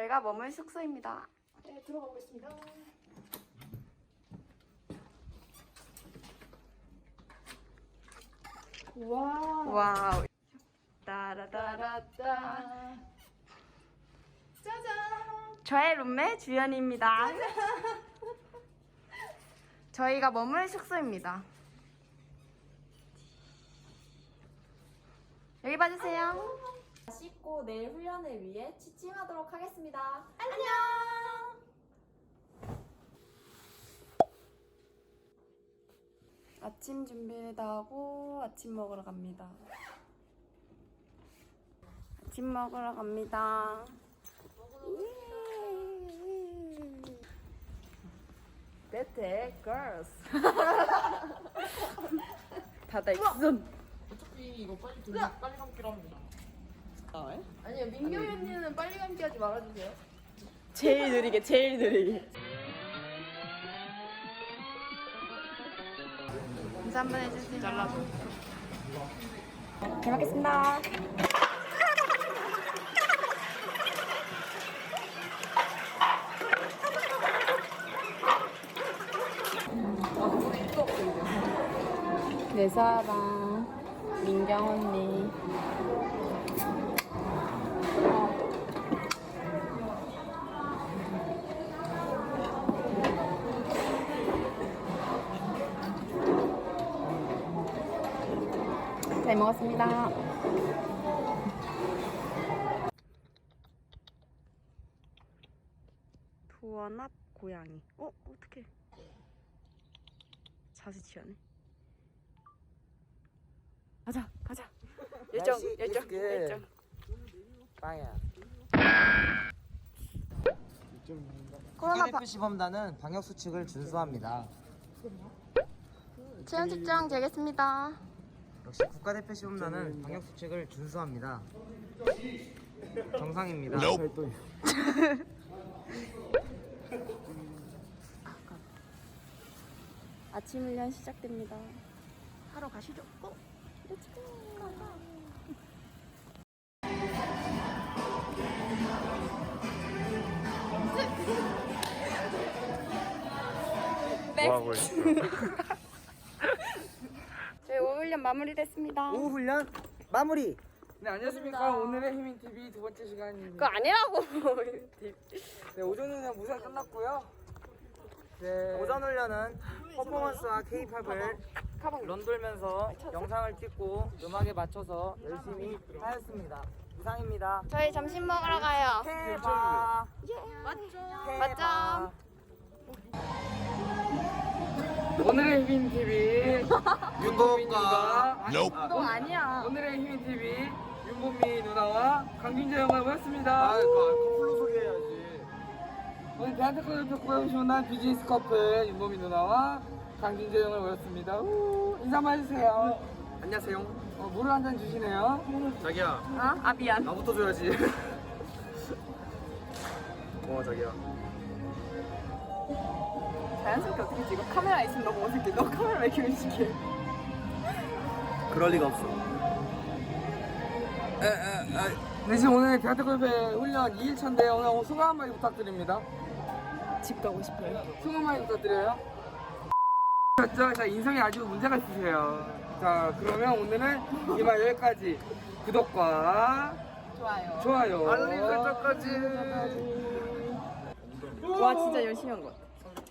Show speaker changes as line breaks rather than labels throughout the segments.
저희가 머물 숙소입니다.
네, 들어가 보겠습니다. 와우.
와우. 따라따라따.
짜잔.
저의 룸메 주연입니다. 저희가 머물 숙소입니다. 여기 봐주세요.
씻고 내일 훈련을 위해 취침하도록 하겠습니다. 안녕!
아침 준비를 다 하고 아침 먹으러 갑니다. 아침 먹으러 갑니다. 베테 걸스. 다다 익순.
어차피 이거 빨리 감기로 합니다.
아니요, 민규 언니는 빨리 감기 하지 말아주세요.
제일 느리게, 제일 느리게. 인사 한번 해주세요. 잘라줘. 잘 먹겠습니다. 내 사랑, 민경 언니. 잘 먹었습니다. 도원 앞 고양이. 어떡해. 자세 취하네. 가자. 열정.
빵야.
코로나
국가대표 시범단은 방역 수칙을 준수합니다.
체온 측정 되겠습니다.
역시 국가대표 시범단은 방역 수칙을 준수합니다. 정상입니다.
아침 훈련 시작됩니다. 하러 가시죠. 렛츠고.
뭐하고 있어?
저희 오후 훈련 마무리됐습니다.
오후 훈련 마무리.
네, 안녕하십니까. 오늘의 희민TV 두 번째 시간입니다.
그거 아니라고.
네, 오전 훈련 무사 끝났고요. 네.
오전 훈련은 퍼포먼스와 K-팝을 런돌면서 영상을 찍고 음악에 맞춰서 열심히 하였습니다. 이상입니다.
저희 점심 먹으러 가요.
K-팝.
맞죠?
오늘의 희민TV 윤보민과
너 아니야.
오늘의 희민TV 윤보미 누나와 강균재 형을 모였습니다.
커플로 소개해야지.
오늘 대한테크노 고용시원한 비즈니스 커플 윤보미 누나와 강균재 형을 모였습니다. 인사만 해주세요.
안녕하세요.
물을 한 잔 주시네요.
자기야,
아 미안.
나부터 줘야지. 자기야.
자연스럽게 어떻게 찍어? 카메라 있으면 너무 어색해. 너 카메라 왜 이렇게 의식해?
그럴 리가 없어.
네, 지금 오늘 대한테크노 훈련 2일차인데 오늘 소감 한마디 부탁드립니다.
집 가고 싶어요.
소감 한마디 부탁드려요. 자, 인성이 아주 문제가 있으세요. 자, 그러면 오늘은 이만 여기까지. 구독과 좋아요, 알림 설정까지.
와 진짜 열심히 한 것 같아.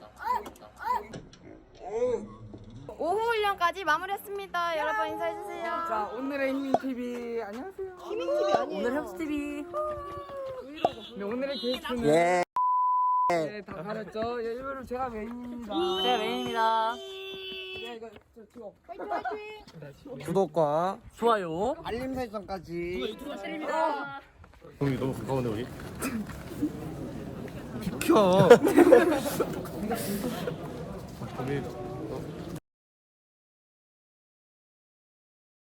오후 훈련까지 마무리했습니다. 여러분 인사해주세요.
자, 오늘의 희민TV 안녕하세요.
희민TV 아니에요.
오늘 협스TV. 네, 오늘의 게스트는
예.
네, 다 가렸죠. 예, 일부러 제가 메인입니다.
제가 메인입니다.
네, 이거 찍어.
구독과
좋아요.
알림 설정까지.
형이 너무 가까운데 우리?
비켜.
우리